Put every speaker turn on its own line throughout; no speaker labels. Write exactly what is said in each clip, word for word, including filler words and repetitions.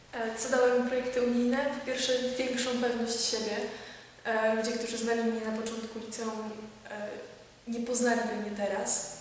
Co dały mi projekty unijne? Po pierwsze, większą pewność siebie. Ludzie, którzy znali mnie na początku liceum, nie poznaliby mnie teraz.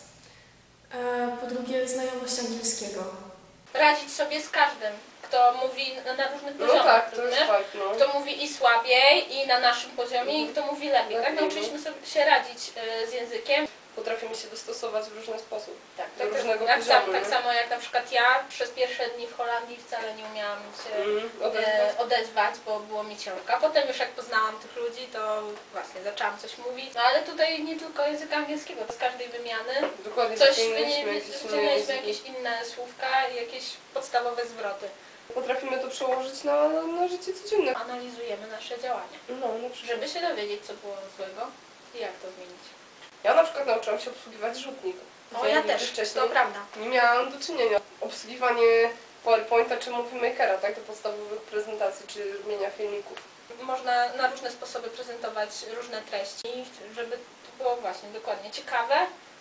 Po drugie, znajomość angielskiego.
Radzić sobie z każdym, kto mówi na różnych poziomach.
No tak, to jest fakt, no.
Kto mówi i słabiej, i na naszym poziomie, i kto mówi lepiej. Tak, nauczyliśmy sobie się radzić z językiem.
Potrafimy się dostosować w różny sposób,
tak,
do
tak,
różnego
tak,
poziomu.
Tak, tak samo jak na przykład ja przez pierwsze dni w Holandii wcale nie umiałam się
mm, odezwać.
E, odezwać, bo było mi ciężko. A potem już jak poznałam tych ludzi, to właśnie zaczęłam coś mówić. No ale tutaj nie tylko języka angielskiego, z każdej wymiany
Dokładnie,
coś
wyciągnęliśmy
jakieś inne słówka i jakieś podstawowe zwroty.
Potrafimy to przełożyć na, na życie codzienne.
Analizujemy nasze działania,
no, na przykład.
żeby się dowiedzieć, co było złego i jak to zmienić.
Ja na przykład nauczyłam się obsługiwać rzutnik.
O, ja też,
wcześniej
to prawda.
Nie miałam do czynienia. Obsługiwanie PowerPointa czy Movie Makera, tak, do podstawowych prezentacji czy robienia filmików.
Można na różne sposoby prezentować różne treści, żeby to było właśnie dokładnie ciekawe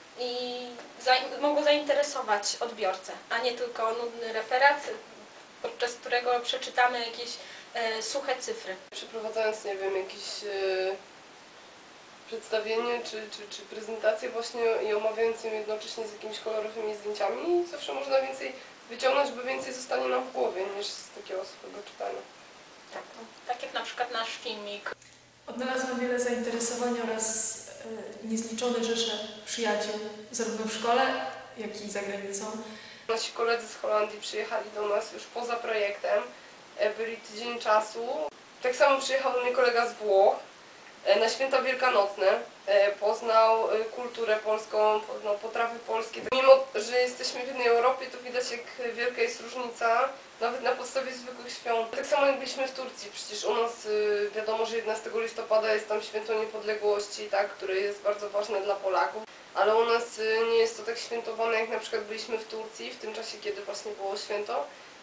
i mogło zainteresować odbiorcę, a nie tylko nudny referat, podczas którego przeczytamy jakieś e, suche cyfry.
Przeprowadzając, nie wiem, jakieś e, przedstawienie czy, czy, czy prezentację właśnie i omawiając ją jednocześnie z jakimiś kolorowymi zdjęciami, zawsze można więcej wyciągnąć, bo więcej zostanie nam w głowie niż z takiego swojego czytania.
Tak, no, tak jak na przykład nasz filmik.
Odnalazłam wiele zainteresowań oraz e, niezliczone rzesze przyjaciół, zarówno w szkole, jak i za granicą.
Nasi koledzy z Holandii przyjechali do nas już poza projektem, byli tydzień czasu. Tak samo przyjechał do mnie kolega z Włoch na święta wielkanocne, poznał kulturę polską, poznał potrawy polskie. Mimo że jesteśmy w jednej Europie, to widać, jak wielka jest różnica, nawet na podstawie zwykłych świąt. Tak samo jak byliśmy w Turcji, przecież u nas wiadomo, że jedenastego listopada jest tam święto niepodległości, tak, które jest bardzo ważne dla Polaków. Ale u nas nie jest to tak świętowane, jak na przykład byliśmy w Turcji, w tym czasie, kiedy właśnie było święto.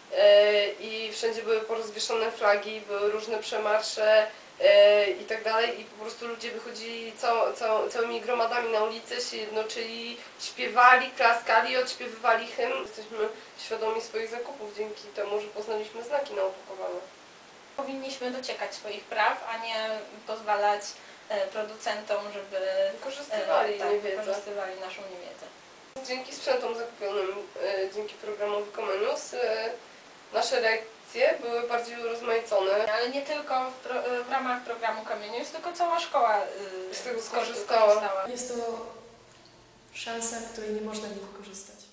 I wszędzie były porozwieszone flagi, były różne przemarsze i tak dalej. I po prostu ludzie wychodzili cał, cał, całymi gromadami na ulicę, się jednoczyli, śpiewali, klaskali, odśpiewywali hymn. Jesteśmy świadomi swoich zakupów dzięki temu, że poznaliśmy znaki na opakowaniu.
Powinniśmy dociekać swoich praw, a nie pozwalać producentom, żeby
wykorzystywali,
e, tak,
niewiedzę.
wykorzystywali naszą niewiedzę.
Dzięki sprzętom zakupionym, e, dzięki programowi Comenius, e, nasze lekcje były bardziej urozmaicone.
Ale nie tylko w, pro, w ramach programu Comenius, tylko cała szkoła e,
z tego
skorzystała.
Jest to szansa, której nie można nie wykorzystać.